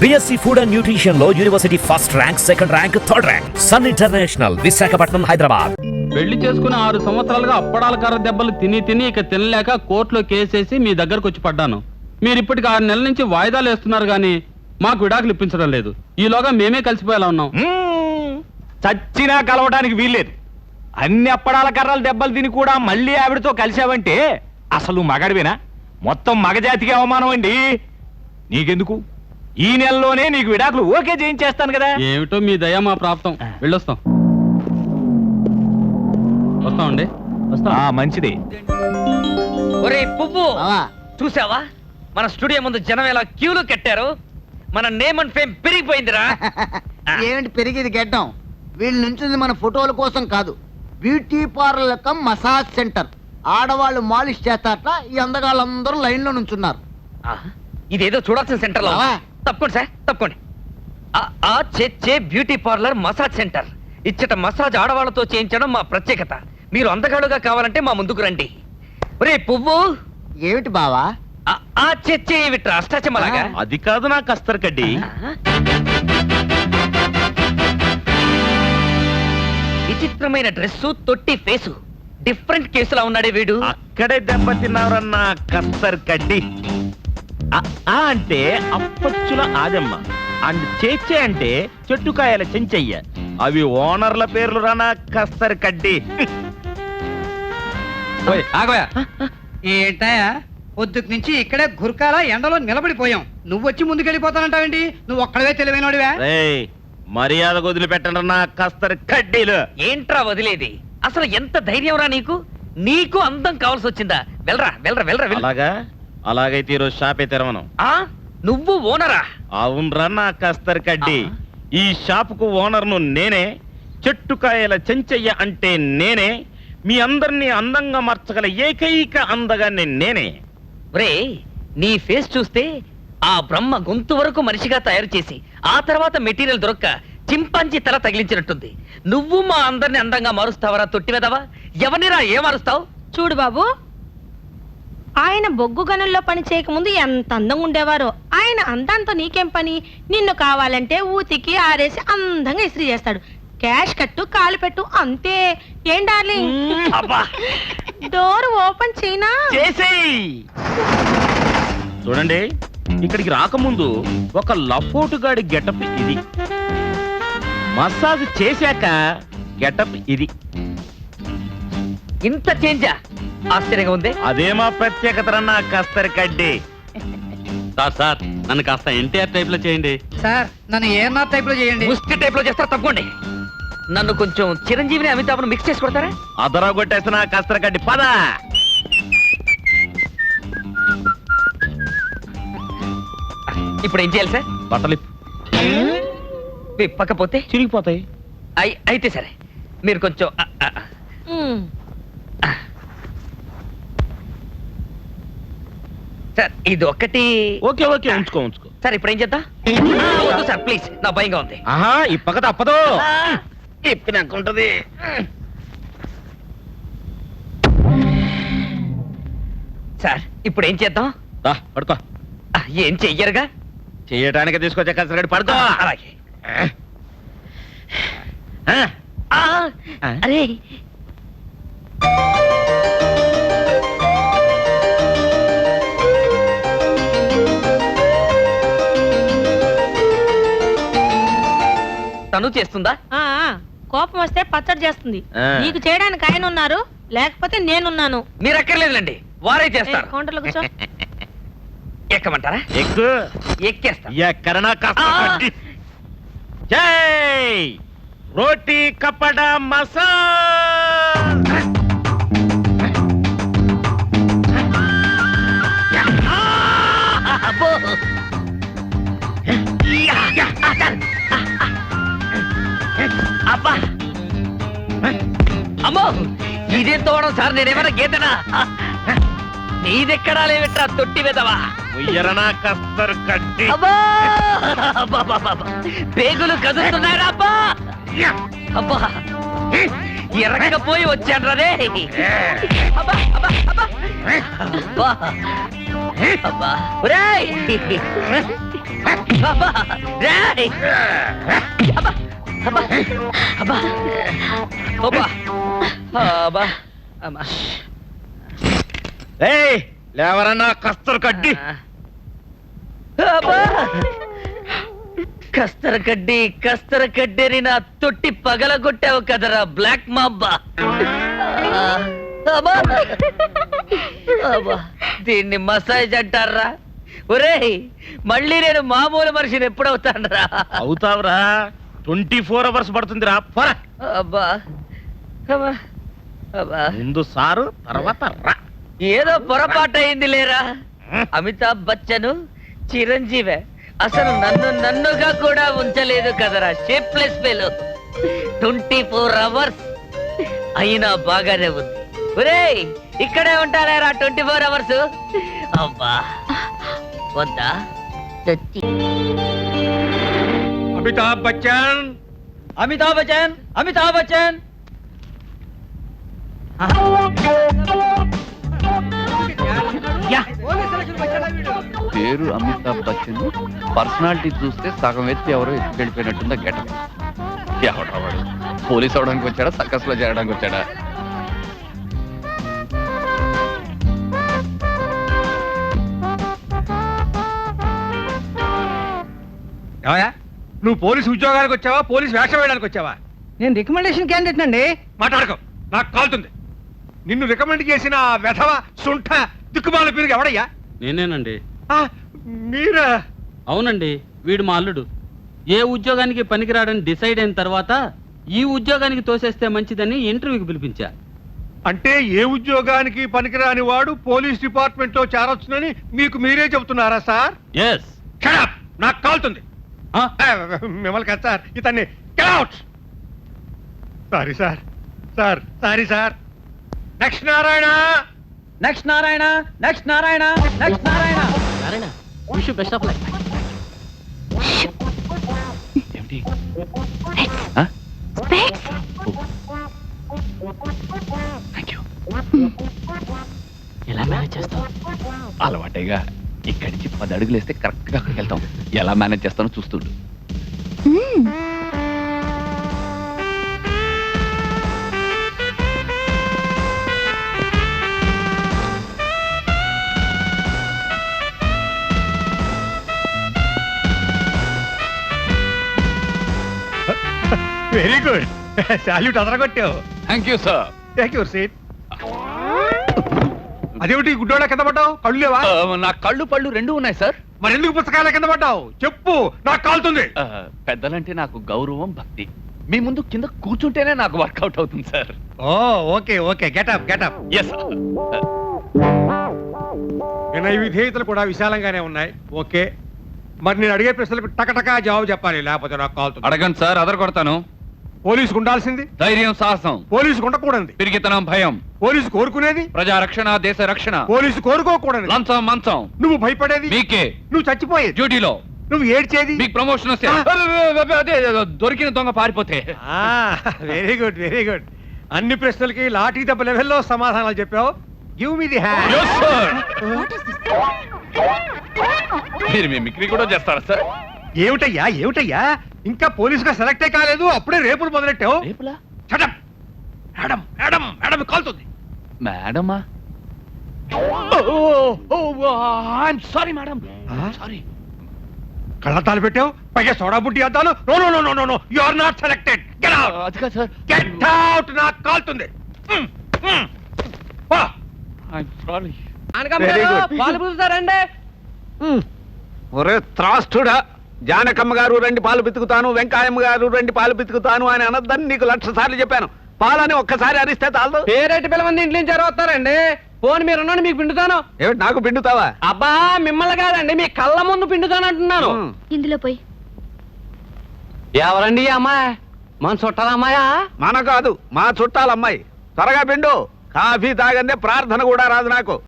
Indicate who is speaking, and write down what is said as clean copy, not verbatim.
Speaker 1: BSc food and nutrition లో university first rank, second rank, third rank. Sun international, Visakhapatnam, Hyderabad.
Speaker 2: పెళ్లి చేసుకుని 6 సంవత్సరాలుగా అప్పడాల కర్ర దెబ్బలు తిని ఇక తినలేక కోర్టులో కేసేసి మీ దగ్గరకు వచ్చి పడ్డాను. మీరు ఇప్పటికి 6 నెలల నుంచి వాయిదాలు వేస్తున్నారు గానీ మాకు విడాకులు ఇప్పించడం లేదు. ఈలోగా మేమే కలిసిపోయేలా ఉన్నాం.
Speaker 3: చచ్చినా కలవడానికి వీల్లేదు. అన్ని అప్పడాల కర్రలు దెబ్బలు తిని కూడా మళ్ళీ ఆవిడతో కలిసావంటే అసలు మగడివేనా? మొత్తం మగజాతికి అవమానం అండి. నీకెందుకు, ఈ నెలలోనే నీకు విడాకులు ఓకే చేయించేస్తాను కదా.
Speaker 2: ఏమిటో మీ దయ మా ప్రాప్తం. వెళ్ళొస్తాం. వస్తామండి.
Speaker 3: మంచిది.
Speaker 4: ఒరే పువ్వు, చూసావా మన స్టూడియో ముందు జనం ఎలా క్యూలు కట్టారు? మన నేమ్ అండ్ ఫేమ్ పెరిగిపోయిందిరా.
Speaker 5: ఏమిటి పెరిగేది గెడ్డం? వీళ్ళు నుంచింది మన ఫోటోల కోసం కాదు, beauty parlour cum massage centre. ఆడవాళ్ళు మాలిష్ చేస్తారట, ఈ అందగాళ్ళందరూ లైన్ లో నుంచున్నారు.
Speaker 4: ఇదేదో చూడాల్సిన సెంటర్ లో. తప్పకోండి సార్, తప్పకోండి. Beauty parlour massage centre. ఇచ్చట మసాజ్ ఆడవాళ్ళతో చేయించడం మా ప్రత్యేకత. మీరు అందగాడుగా కావాలంటే మా ముందుకు రండి. ఒరే పువ్వు.
Speaker 5: ఏమిటి బావా?
Speaker 4: విట్రా అష్టాచమ్మలాగా.
Speaker 3: అది కాదు నా కస్తర్ కడ్డి.
Speaker 4: విచిత్రమైన డ్రెస్సు, తొట్టి ఫేసు, డిఫరెంట్ కేసులా ఉన్నాడే వీడు.
Speaker 3: అక్కడే దెబ్బతిన్నారన్న కస్తర్ కడ్డి. అంటే అప్పచ్చుల ఆదమ్మ అండ్ చేచే అంటే చెట్టుకాయల చెంచయ్య. అవి ఓనర్ల పేర్లు రానా కస్తర్ కడ్డి.
Speaker 6: ఏంటయా పొద్దుకు నుంచి ఇక్కడే గుర్కాల ఎండలో నిలబడిపోయాం. నువ్వు వచ్చి ముందుకెళ్ళిపోతానంటావేంటి? నువ్వు ఒక్కడవే తెలివైనడివా?
Speaker 3: మర్యాద వదిలిపెట్టండి నా కస్తర్ కడ్డీలు.
Speaker 4: ఏంట్రా వదిలేది? అసలు ఎంత ధైర్యం రా నీకు? నీకు అందం కావాల్సి వచ్చిందా? వెళ్ళరా వెళ్ళరా వెళ్ళరా.
Speaker 3: అలాగా? అలాగైతే ఈరోజు షాపే తెరవను.
Speaker 4: నువ్వు ఓనరా?
Speaker 3: అవునరా నా కస్తర్ కడ్డి. ఈ షాపుకు ఓనర్ను నేనే. చెట్టుకాయల చెంచయ్య అంటే నేనే. మీ అందరినీ అందంగా మార్చగల ఏకైక అందగాన్ని నేనే.
Speaker 4: రే, నీ ఫేస్ చూస్తే ఆ బ్రహ్మ గొంతు వరకు మనిషిగా తయారు చేసి ఆ తర్వాత మెటీరియల్ దొరక్క చింపాంజీ తల తగిలించినట్టుంది. నువ్వు మా అందరిని అందంగా మారుస్తావరా తొట్టివెదవా? ఎవరినిరా ఏ మారుస్తావు?
Speaker 7: చూడు బాబు, ఆయన బొగ్గు గనుల్లో పని చేయకముందు ఎంత అందంగా ఉండేవారో. ఆయన అందంతో నీకేం పని? నిన్ను కావాలంటే ఊతికి ఆరేసి అందంగా ఇస్త్రీ చేస్తాడు. క్యాష్ కట్టు, కాలు పెట్టు, అంతే. ఏం డార్లింగ్? డోర్ ఓపెన్ చేయనా?
Speaker 3: చూడండి, ఇక్కడికి రాకముందు ఒక లపోటుగాడి గెటప్ ఇది, మసాజ్ చేశాక గెటప్ ఇది.
Speaker 4: ఇంత చేంజా? ఆశ్చర్యంగా ఉంది.
Speaker 3: అదే మా ప్రత్యేకత నా కస్తర్ కడ్డి.
Speaker 2: సార్ నన్ను కాస్త ఎన్టీఆర్ టైప్ లో చేయండి.
Speaker 6: సార్ నన్ను ఏఎన్ఆర్ టైప్ లో చేయండి.
Speaker 4: ముష్టి టైప్ లో చేస్తారు. తప్పకోండి. నన్ను కొంచెం చిరంజీవిని అమితాబ్ను మిక్స్ చేసి కొడతారా?
Speaker 3: అదరా కొట్టేసిన కస్తర్ కడ్డి. పద.
Speaker 4: ఇప్పుడు ఏం చేయాలి సార్?
Speaker 3: బట్టలు
Speaker 4: విప్పకపోతే
Speaker 3: చిరిగిపోతాయి.
Speaker 4: అయితే సరే, మీరు కొంచెం సార్ ఇది ఒక్కటి.
Speaker 3: ఓకే ఓకే, ఉంచుకో ఉంచుకో.
Speaker 4: సార్ ఇప్పుడు ఏం చేద్దాం? వద్దు సార్ ప్లీజ్, నా భయంగా ఉంది.
Speaker 3: ఇప్పక తప్పదు. ఇప్పినాకుంటది.
Speaker 4: సార్ ఇప్పుడు ఏం చేద్దాం?
Speaker 3: పడుకో.
Speaker 4: ఏం చెయ్యరుగా?
Speaker 3: చెయ్యడానికి తీసుకొచ్చే కసరగడి పడుకో.
Speaker 4: అలాగే. అరే తను చేస్తుందా?
Speaker 7: కోపం వస్తే పచ్చడి చేస్తుంది. నీకు చేయడానికి ఆయన ఉన్నారు, లేకపోతే నేనున్నాను.
Speaker 4: మీరు ఎక్కర్లేదులేండి, వారే చేస్తారు.
Speaker 7: కౌంటర్లో కూర్చో.
Speaker 4: ఎక్కమంటారా?
Speaker 3: ఎక్కు.
Speaker 4: ఎక్కేస్తా.
Speaker 3: ఎక్కడనా కష్టపడి. జై రోటీ కపడా మసాజ్.
Speaker 4: అబ్బా అమ్మో, ఇదేం తోవడం సార్? నేనేమైనా గీతనా? నీదెక్కడా లేవిట్రా తొట్టి వెదవా.
Speaker 3: ఉయ్యరనా కస్తర్ కడ్డి.
Speaker 4: పేగులు కదులుతున్నారా? అబ్బా అబ్బా, ఎరగపోయి వచ్చాను రే. అబ్బా అబ్బా అబ్బా. అబ్బా ఒరేయ్ అబ్బా రేయ్ అబ్బా అబ్బా అబ్బా అబ్బా అబ్బా అమ్మా
Speaker 3: ఏయ్ లేవరన్నా కస్తర్ కడ్డి
Speaker 4: అబ్బా కస్తర కడ్డేని నా తొట్టి పగలగొట్టావు కదరా బ్లాక్ మాబ్బా అబ్బా అబ్బా దీన్ని మసాజ్ అంటారా ఒరేయ్ మళ్ళీ నేను మామూలు మనిషిని ఎప్పుడవుతానరా
Speaker 3: అవుతావురా 24 అవర్స్ పడుతుందిరా పోరా.
Speaker 4: అబ్బా అబ్బా అబ్బా
Speaker 3: ముందు సారు తర్వాత రా.
Speaker 4: ఏదో పొరపాటు అయింది లేరా అమితాబ్ బచ్చన్ చిరంజీవే అసలు నన్నుగా కూడా ఉంచలేదు కదరా షేప్లెస్ ఫెలో 24 అవర్స్ అయినా బాగానే ఉంది ఒరేయ్ ఇక్కడే ఉంటారా 24 అవర్స్ అబ్బా వద్దా
Speaker 3: అమితాబ్ బచ్చన్
Speaker 4: అమితాబ్ బచ్చన్ అమితాబ్ బచ్చన్
Speaker 8: పేరు అమితాబ్ బచ్చన్, పర్సనాలిటీ చూస్తే సగం ఎత్తి ఎవరో ఎత్తి వెళ్ళిపోయినట్టుందా గెటప్. ఎవడా వాడు? పోలీస్ అవడానికి వచ్చాడా, సర్కస్ లో చేరడానికి వచ్చాడా?
Speaker 3: నువ్వు పోలీసు ఉద్యోగానికి వచ్చావా, పోలీసు వేషం వేయడానికి వచ్చావా?
Speaker 6: నేను రికమెండేషన్ క్యాండిడేట్ అండి.
Speaker 3: మాట్లాడకం, నాకు కాలుతుంది. నిన్ను రికమెండ్ చేసిన ఆ వెధవ సుంఠ దిక్కుమాల పేరు ఎవడయ్యా?
Speaker 2: నేనేనండి.
Speaker 3: ఆ, మీరా?
Speaker 2: అవునండి, వీడు మా అల్లుడు. ఏ ఉద్యోగానికి పనికిరాడని డిసైడ్ అయిన తర్వాత ఈ ఉద్యోగానికి తోసేస్తే మంచిదని ఇంటర్వ్యూకి పిలిపించా.
Speaker 3: అంటే ఏ ఉద్యోగానికి పనికిరాని వాడు పోలీస్ డిపార్ట్మెంట్ లో చేరొచ్చునని మీకు మీరే చెబుతున్నారా సార్?
Speaker 2: ఎస్.
Speaker 3: నాకు కాలుతుంది. మిమ్మల్ని కదా సార్, ఇతన్ని sorry sir, sorry sir. Next Narayana,
Speaker 4: next Narayana next Narayana next Narayana Narayana wish you best of luck.
Speaker 8: ఏమిటి? Thank you.
Speaker 4: ఎలా మేనేజ్ చేస్తావు?
Speaker 8: అలవాటేగా. ఇక్కడి నుంచి 10 అడుగులు వేస్తే కరెక్ట్ గా అక్కడికి వెళ్తాం. ఎలా మేనేజ్ చేస్తానో చూస్తుండు.
Speaker 3: Very good. సాల్యూట్ అదరగొట్టావు.
Speaker 8: Thank you sir.
Speaker 3: Thank you seat. అదేమిటి గుడ్డోళ్ళ కింద పడ్డావు? కళ్ళు లేవా?
Speaker 8: నా కళ్ళు పళ్ళు రెండు ఉన్నాయి సార్.
Speaker 3: మరి ఎందుకు పుస్తకాల కింద పడ్డావు? చెప్పు, నాకు కాలుతుంది.
Speaker 8: పెద్దలంటే నాకు గౌరవం, భక్తి. మీ ముందు కింద కూర్చుంటేనే నాకు వర్కౌట్ అవుతుంది sir.
Speaker 3: Oh okay okay, getup getup.
Speaker 8: Yes.
Speaker 3: వినయ విధేయతలు కూడా విశాలంగానే ఉన్నాయి. ఓకే, మరి నేను అడిగే ప్రశ్నలకు టకటకా జవాబు చెప్పాలి, లేకపోతే నాకు కాలుతుంది.
Speaker 8: అడగండి సార్, అదర కొడతాను.
Speaker 3: పోలీసుకు ఉండాల్సింది
Speaker 8: ధైర్యం, సాహసం,
Speaker 3: పోలీసుకు ఉండకూడదు.
Speaker 8: పిరిగితనం, భయం.
Speaker 3: పోలీసు కోరుకునేది
Speaker 8: ప్రజా రక్షణ, దేశ రక్షణ.
Speaker 3: పోలీసు కోరుకోకూడదు.
Speaker 8: లంచం, మంచం.
Speaker 3: నువ్వు భయపడేది
Speaker 8: మీకే.
Speaker 3: నువ్వు చచ్చిపోయేది.
Speaker 8: డ్యూటీలో
Speaker 3: నువ్వు ఏడ్చేది.
Speaker 8: మీకు ప్రమోషన్ వస్తే అదే దొరికిన దొంగ పారిపోతే.
Speaker 3: Very good very good. అన్ని ప్రశ్నలకి లాఠీ దెబ్బ లెవెల్లో సమాధానాలు చెప్పావు. Give me the hand.
Speaker 8: Yes, sir. మీరు మిమిక్రీ కూడా చేస్తారా సార్?
Speaker 3: ఏమిటయ్యా ఏమిటయ్యా, ఇంకా పోలీసుగా సెలెక్టే కాలేదు, అప్పుడే రేపులు మొదలెట్టావు.
Speaker 8: రేపులా?
Speaker 3: మేడం మేడం మేడం కాలుతుంది.
Speaker 8: మేడమా? Sorry madam, sorry.
Speaker 3: కళ్ళతాలు పెట్టావు, పైగా సోడా బుడ్డి అద్దాలు. No no no no no, you are not selected. Get out.
Speaker 8: అది కాదు సార్.
Speaker 3: Get out. నాకు కాలుతుంది.
Speaker 8: సారీ.
Speaker 6: పాలు పూస్తారండి.
Speaker 9: ఒరే త్రాస్తుడా, జానకమ్మ గారు రండి పాలు పితుకుతాను, వెంకాయమ్మ గారు రండి పాలు పితుకుతాను అని అనద్దని నీకు 1,00,000 సార్లు చెప్పాను. పాలని ఒక్కసారి అరిస్తే చాలదు.
Speaker 6: పేరెట్టి పిల్లమంది ఇంటి నుంచి వస్తారండి. ఫోన్ మీరు ఉన్నాను, మీకు పిండుతాను.
Speaker 9: ఏమిటి నాకు పిండుతావా?
Speaker 6: అబ్బా మిమ్మల్ని కాదండి, మీ కళ్ళ ముందు పిండుతాను అంటున్నాను.
Speaker 10: ఇందులో పోయి.
Speaker 6: ఎవరండి ఈ అమ్మాయి? మన చుట్టాల అమ్మాయా?
Speaker 9: మన కాదు, మా చుట్టాలమ్మాయి. త్వరగా పిండు. కాఫీ తాగందే ప్రార్థన కూడా రాదు నాకు.